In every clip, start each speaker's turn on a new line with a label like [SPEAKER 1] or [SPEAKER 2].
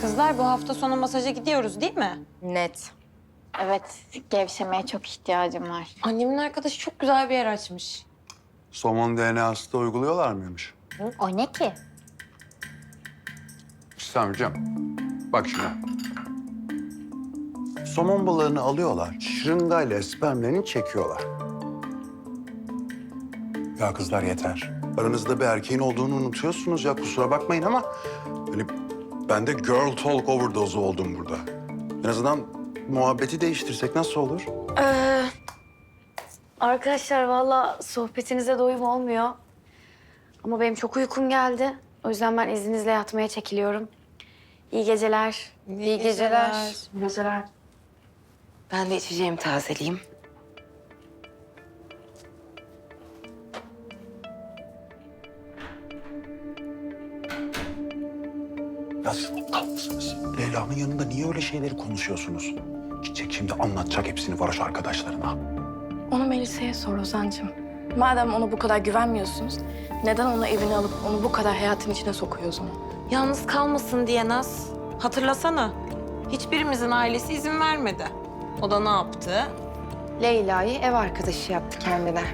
[SPEAKER 1] Kızlar bu hafta sonu masaja gidiyoruz değil mi?
[SPEAKER 2] Net.
[SPEAKER 3] Evet, gevşemeye çok ihtiyacım var.
[SPEAKER 1] Annemin arkadaşı çok güzel bir yer açmış.
[SPEAKER 4] Somon DNA'sı da uyguluyorlar mıymış?
[SPEAKER 3] O ne ki?
[SPEAKER 4] Hüsamcığım, bak şimdi. Somon balığını alıyorlar, şırıngayla spermlerini çekiyorlar. Ya kızlar yeter. Aranızda bir erkeğin olduğunu unutuyorsunuz ya, kusura bakmayın ama... ...hani ben de girl talk overdose oldum burada. En azından muhabbeti değiştirsek nasıl olur?
[SPEAKER 2] Arkadaşlar vallahi sohbetinize doyum olmuyor. Ama benim çok uykum geldi. O yüzden ben izninizle yatmaya çekiliyorum. İyi geceler.
[SPEAKER 1] İyi geceler.
[SPEAKER 2] İyi geceler.
[SPEAKER 5] Ben de içeceğimi tazeleyeyim.
[SPEAKER 4] Ya siz aptal mısınız? Leyla'nın yanında niye öyle şeyleri konuşuyorsunuz? Gidecek şimdi anlatacak hepsini varoş arkadaşlarına.
[SPEAKER 6] Onu Melisa'ya sor Ozan'cığım. Madem ona bu kadar güvenmiyorsunuz, neden onu evine alıp onu bu kadar hayatın içine sokuyorsun?
[SPEAKER 1] Yalnız kalmasın diye Naz. Hatırlasana. Hiçbirimizin ailesi izin vermedi. O da ne yaptı?
[SPEAKER 5] Leyla'yı ev arkadaşı yaptı kendine.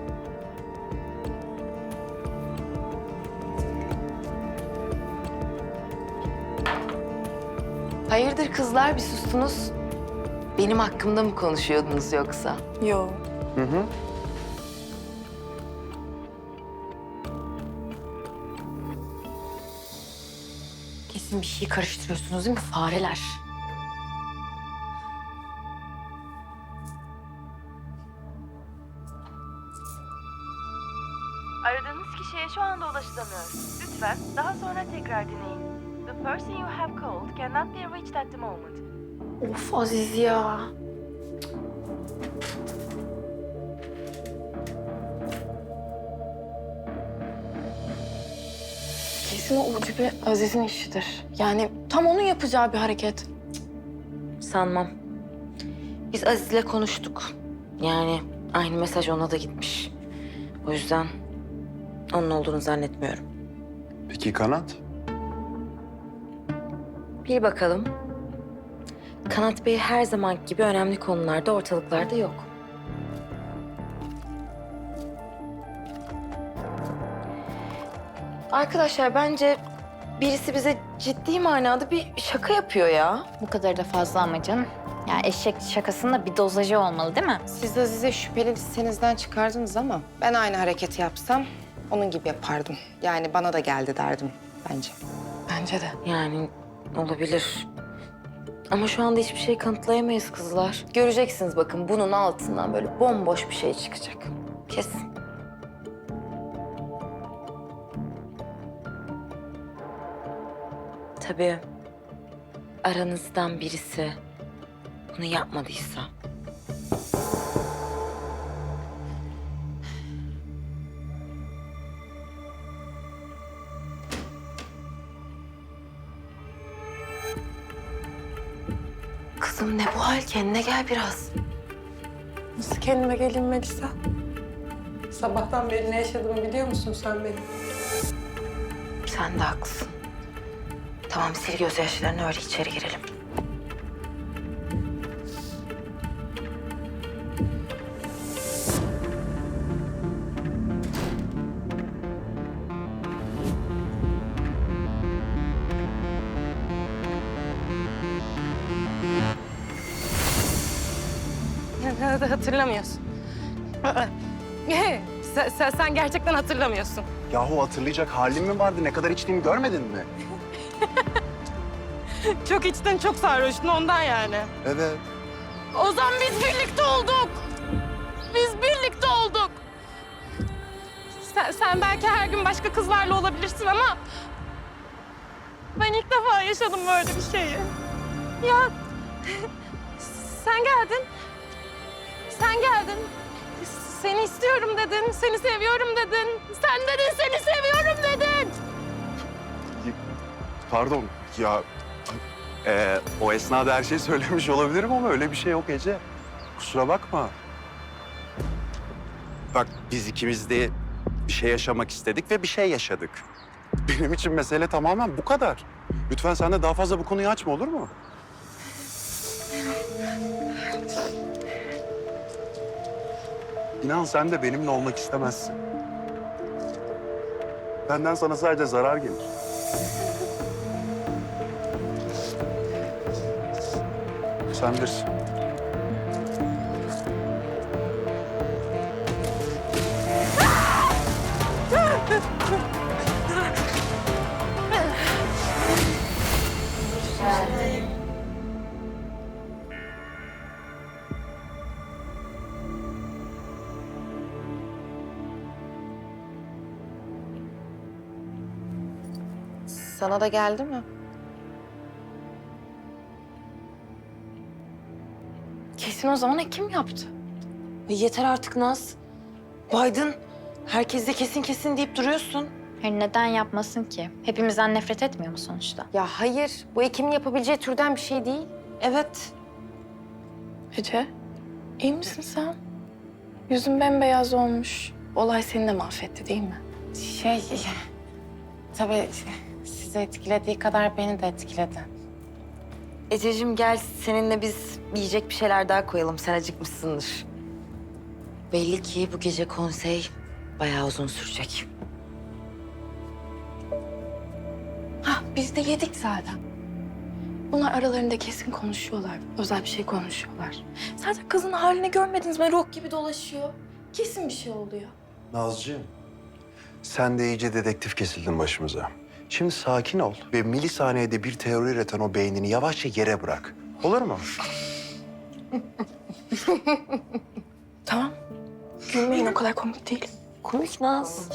[SPEAKER 5] Hayırdır kızlar, bir sustunuz? Benim hakkımda mı konuşuyordunuz yoksa?
[SPEAKER 6] Yo.
[SPEAKER 4] Hı hı.
[SPEAKER 2] Kesin bir şey karıştırıyorsunuz değil mi fareler?
[SPEAKER 7] Aradığınız kişiye şu anda ulaşılamıyor. Lütfen daha sonra tekrar deneyin. The person you have called cannot be reached at the moment.
[SPEAKER 2] Of Aziz ya.
[SPEAKER 6] Kesin o ucube Aziz'in işidir. Yani tam onun yapacağı bir hareket.
[SPEAKER 5] Sanmam. Biz Aziz'le konuştuk. Yani aynı mesaj ona da gitmiş. O yüzden onun olduğunu zannetmiyorum.
[SPEAKER 4] Peki Kanat?
[SPEAKER 5] Bir bakalım. Kanat Bey her zaman gibi önemli konularda ortalıklarda yok. Arkadaşlar bence birisi bize ciddi manada bir şaka yapıyor ya.
[SPEAKER 3] Bu kadar da fazla ama canım. Ya eşek şakasının da bir dozajı olmalı değil mi?
[SPEAKER 8] Siz Aziz'e şüpheli listenizden çıkardınız ama ben aynı hareketi yapsam onun gibi yapardım. Yani bana da geldi derdim bence.
[SPEAKER 6] Bence de.
[SPEAKER 5] Yani olabilir. Ama şu anda hiçbir şey kanıtlayamayız kızlar. Göreceksiniz bakın bunun altından böyle bomboş bir şey çıkacak. Kesin. Tabii aranızdan birisi bunu yapmadıysa. Kızım ne bu hal? Kendine gel biraz.
[SPEAKER 6] Nasıl kendime geleyim Melisa? Sabahtan beri ne yaşadığımı biliyor musun sen benim?
[SPEAKER 5] Sen de haklısın. Tamam sil gözyaşlarını öyle içeri girelim.
[SPEAKER 6] Hatırlamıyorsun. Sen gerçekten hatırlamıyorsun.
[SPEAKER 4] Yahu hatırlayacak halim mi vardı? Ne kadar içtiğimi görmedin mi?
[SPEAKER 6] Çok içten çok sarhoştun ondan yani.
[SPEAKER 4] Evet.
[SPEAKER 6] Ozan biz birlikte olduk. Biz birlikte olduk. Sen belki her gün başka kızlarla olabilirsin ama... ...ben ilk defa yaşadım böyle bir şeyi. Ya sen geldin. Sen geldin. Seni istiyorum dedin, seni seviyorum dedin. Sen dedin, seni seviyorum dedin.
[SPEAKER 4] Pardon ya o esnada her şeyi söylemiş olabilirim ama öyle bir şey yok Ece. Kusura bakma. Bak biz ikimiz de bir şey yaşamak istedik ve bir şey yaşadık. Benim için mesele tamamen bu kadar. Lütfen sen de daha fazla bu konuyu açma, olur mu? İnan sen de benimle olmak istemezsin. Benden sana sadece zarar gelir. Sen bilirsin.
[SPEAKER 8] Sana da geldi mi?
[SPEAKER 2] Kesin o zaman Ekim yaptı.
[SPEAKER 1] Ay yeter artık Naz. Biden, herkes de kesin kesin deyip duruyorsun.
[SPEAKER 3] Hayır, neden yapmasın ki? Hepimizden nefret etmiyor mu sonuçta?
[SPEAKER 8] Ya hayır, bu Ekim'in yapabileceği türden bir şey değil.
[SPEAKER 1] Evet.
[SPEAKER 6] Ece, iyi misin sen? Yüzün bembeyaz olmuş. Olay seni de mahvetti değil mi?
[SPEAKER 8] Tabii sizi etkilediği kadar beni de etkiledi.
[SPEAKER 5] Ececiğim gel seninle biz yiyecek bir şeyler daha koyalım. Sen acıkmışsındır. Belli ki bu gece konsey bayağı uzun sürecek.
[SPEAKER 6] Hah, biz de yedik zaten. Bunlar aralarında kesin konuşuyorlar. Özel bir şey konuşuyorlar. Zaten kızın halini görmediniz mi? Ruh gibi dolaşıyor. Kesin bir şey oluyor.
[SPEAKER 4] Nazcığım, sen de iyice dedektif kesildin başımıza. Şimdi sakin ol ve milisaniyede bir teori üreten o beynini yavaşça yere bırak. Olur mu?
[SPEAKER 6] Tamam. Gülmeyin, o kadar komik değil.
[SPEAKER 1] Komik Naz.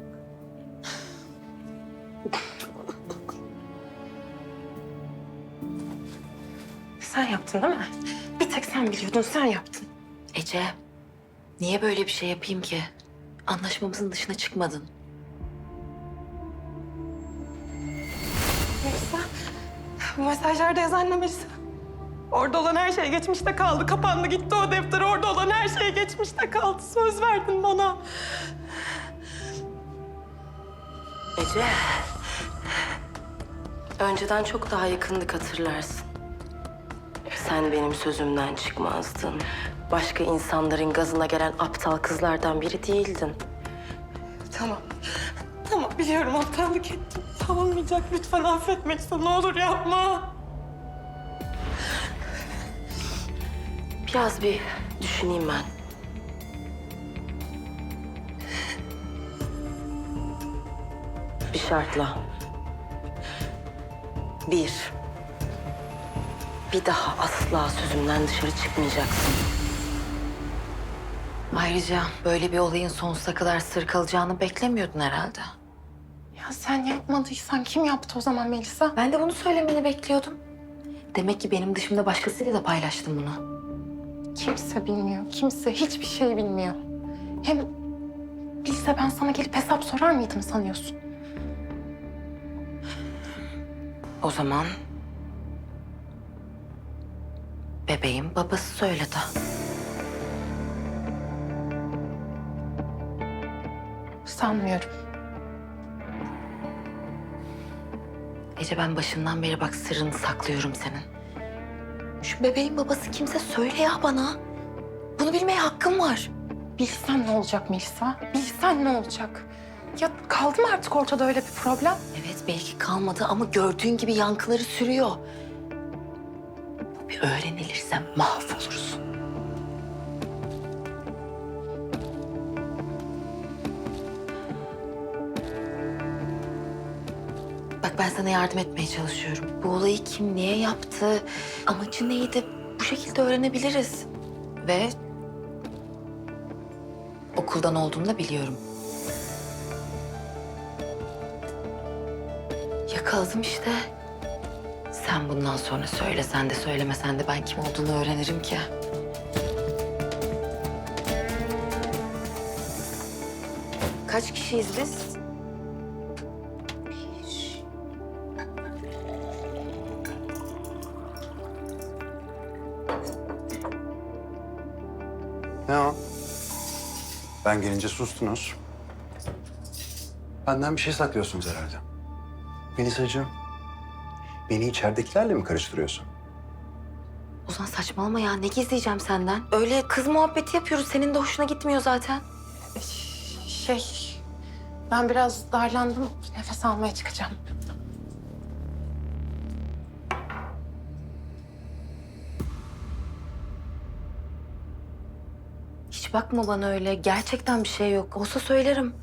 [SPEAKER 6] Sen yaptın değil mi? Bir tek sen biliyordun, sen yaptın.
[SPEAKER 5] Ece, niye böyle bir şey yapayım ki? Anlaşmamızın dışına çıkmadın.
[SPEAKER 6] Melisa, bu mesajlarda yazan ne Melisa? Orada olan her şey geçmişte kaldı. Kapandı gitti o defter. Orada olan her şey geçmişte kaldı. Söz verdin bana.
[SPEAKER 9] Ece, önceden çok daha yakındık hatırlarsın. Sen benim sözümden çıkmazdın. Başka insanların gazına gelen aptal kızlardan biri değildin.
[SPEAKER 6] Tamam. Tamam, biliyorum aptallık ettim. Olmayacak, lütfen affet Melisa. Ne olur yapma.
[SPEAKER 9] Biraz bir düşüneyim ben. Bir şartla. Bir daha asla sözümden dışarı çıkmayacaksın.
[SPEAKER 5] Ayrıca böyle bir olayın sonsuza kadar sır kalacağını beklemiyordun herhalde.
[SPEAKER 6] Ya sen yapmadıysan kim yaptı o zaman Melisa?
[SPEAKER 5] Ben de bunu söylemeni bekliyordum. Demek ki benim dışımda başkasıyla da paylaştın bunu.
[SPEAKER 6] Kimse bilmiyor. Kimse hiçbir şey bilmiyor. Hem bilse ben sana gelip hesap sorar mıydım sanıyorsun?
[SPEAKER 5] O zaman bebeğin babası söyledi.
[SPEAKER 6] Sanmıyorum.
[SPEAKER 5] Ece ben başından beri bak sırrını saklıyorum senin. Şu bebeğin babası kimse söyle ya bana. Bunu bilmeye hakkım var.
[SPEAKER 6] Bilsen ne olacak Melisa? Bilsen ne olacak? Ya kaldı mı artık ortada öyle bir problem?
[SPEAKER 5] Evet belki kalmadı ama gördüğün gibi yankıları sürüyor. Bu bir öğrenilirse mahvolursun. Bak ben sana yardım etmeye çalışıyorum. Bu olayı kim niye yaptı, amacı neydi bu şekilde öğrenebiliriz. Ve okuldan olduğunu da biliyorum. Yakaladım işte. Sen bundan sonra söylesen de söylemesen de ben kim olduğunu öğrenirim ki. Kaç kişiyiz biz?
[SPEAKER 4] Ne o? Ben gelince sustunuz. Benden bir şey saklıyorsunuz herhalde. Melisacığım, Beni içeridekilerle mi karıştırıyorsun?
[SPEAKER 5] Ozan saçmalama ya. Ne gizleyeceğim senden? Öyle kız muhabbeti yapıyoruz. Senin de hoşuna gitmiyor zaten.
[SPEAKER 8] Ben biraz darlandım. Nefes almaya çıkacağım.
[SPEAKER 5] Hiç bakma bana öyle. Gerçekten bir şey yok. Olsa söylerim.